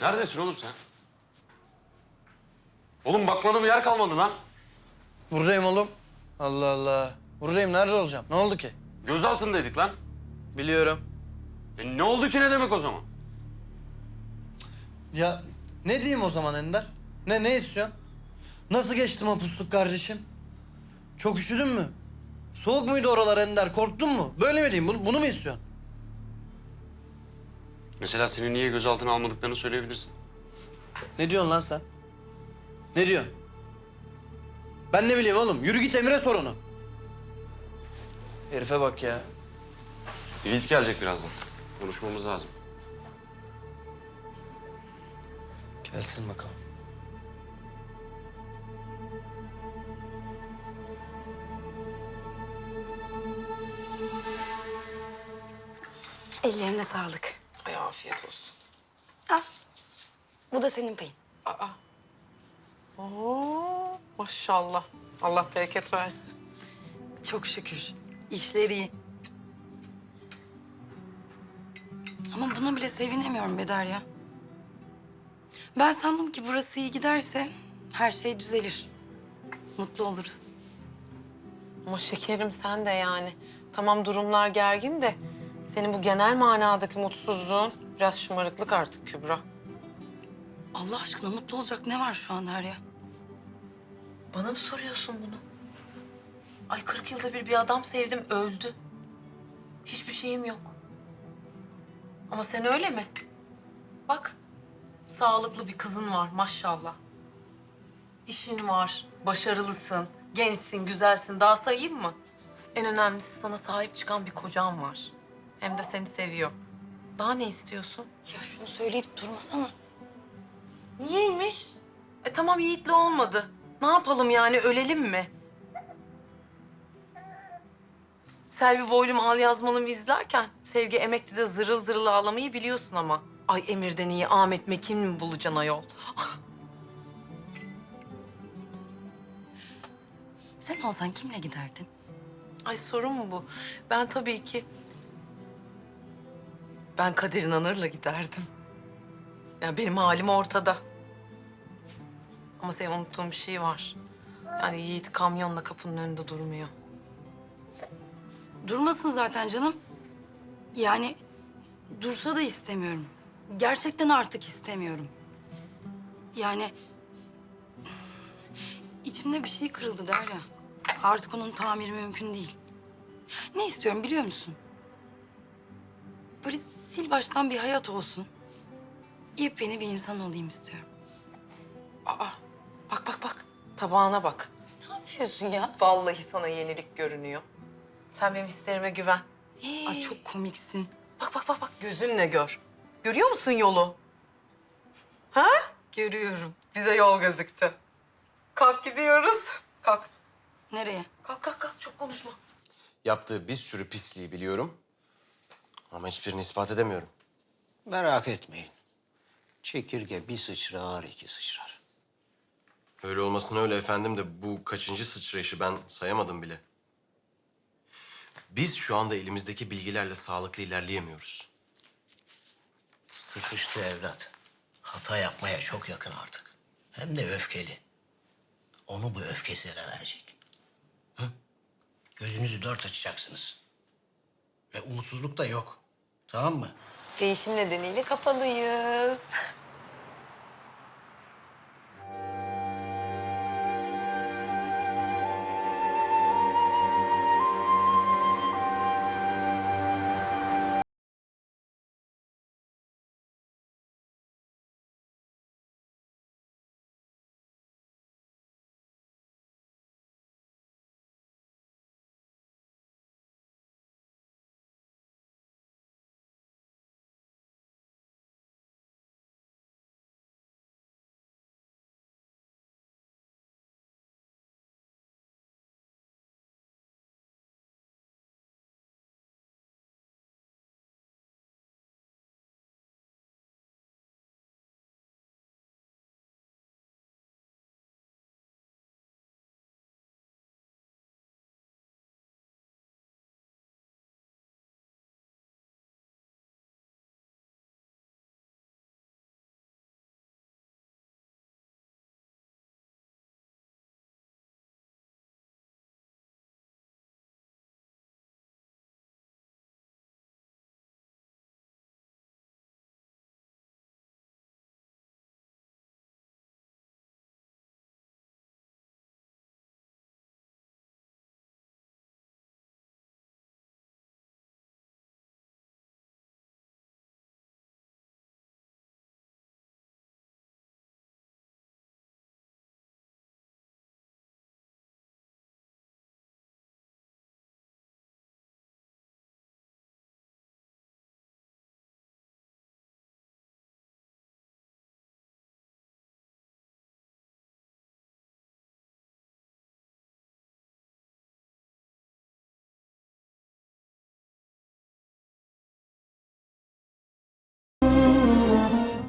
Neredesin oğlum sen? Oğlum bakmadığım yer kalmadı lan. Buradayım oğlum. Allah Allah. Buradayım. Nerede olacağım? Ne oldu ki? Gözaltındaydık lan. Biliyorum. Ne oldu ki ne demek o zaman? Ya ne diyeyim o zaman Ender? Ne istiyorsun? Nasıl geçti mapusluk kardeşim? Çok üşüdün mü? Soğuk muydu oralar Ender? Korktun mu? Böyle mi diyeyim? Bunu mu istiyorsun? Mesela seni niye gözaltına almadıklarını söyleyebilirsin. Ne diyorsun lan sen? Ne diyorsun? Ben ne bileyim oğlum? Yürü git Emir'e sor onu. Herife bak ya. Yiğit gelecek birazdan. Konuşmamız lazım. Gelsin bakalım. Ellerine sağlık. Ay afiyet olsun. Al. Bu da senin payın. Aa. Oo, maşallah. Allah bereket versin. Çok şükür. İşleri iyi. Ama buna bile sevinemiyorum Bedar ya. Ben sandım ki burası iyi giderse her şey düzelir. Mutlu oluruz. Ama şekerim sen de yani. Tamam durumlar gergin de senin bu genel manadaki mutsuzluğun biraz şımarıklık artık Kübra. Allah aşkına mutlu olacak ne var şu an Derya? Bana mı soruyorsun bunu? Ay 40 yılda bir adam sevdim öldü. Hiçbir şeyim yok. Ama sen öyle mi? Bak sağlıklı bir kızın var maşallah. İşin var, başarılısın, gençsin, güzelsin. Daha sayayım mı? En önemlisi sana sahip çıkan bir kocan var. Hem de seni seviyor. Daha ne istiyorsun? Ya şunu söyleyip durmasana. Niyeymiş? Tamam Yiğit'le olmadı. Ne yapalım yani ölelim mi? Selvi Boylum Al Yazmalım izlerken Sevgi Emekli'de zırıl zırıl ağlamayı biliyorsun ama. Ay Emir'den iyi Ahmet Mekin mi bulacaksın ayol? Sen olsan kimle giderdin? Ay sorun mu bu? Ben tabii ki... Ben Kadir İnanır'la giderdim. Yani benim halim ortada. Ama senin unuttuğun bir şey var. Yani Yiğit kamyonla kapının önünde durmuyor. Durmasın zaten canım. Yani dursa da istemiyorum. Gerçekten artık istemiyorum. Yani içimde bir şey kırıldı Derya. Artık onun tamiri mümkün değil. Ne istiyorum biliyor musun? Böyle sil baştan bir hayat olsun. Yepyeni bir insan olayım istiyorum. Aa, bak. Tabağına bak. Ne yapıyorsun ya? Vallahi sana yenilik görünüyor. Sen benim hislerime güven. Ay çok komiksin. Bak. Gözünle gör. Görüyor musun yolu? Ha? Görüyorum. Bize yol gözüktü. Kalk gidiyoruz. Kalk. Nereye? Kalk. Çok konuşma. Yaptığı bir sürü pisliği biliyorum. Ama hiçbirini ispat edemiyorum. Merak etmeyin. Çekirge bir sıçrar, iki sıçrar. Öyle olmasına öyle efendim de bu kaçıncı sıçrayışı ben sayamadım bile. Biz şu anda elimizdeki bilgilerle sağlıklı ilerleyemiyoruz. Sıkıştı evlat. Hata yapmaya çok yakın artık. Hem de öfkeli. Onu bu öfkesine verecek. Hı? Gözünüzü dört açacaksınız. Ve umutsuzluk da yok. Tamam mı? Değişim nedeniyle kapalıyız.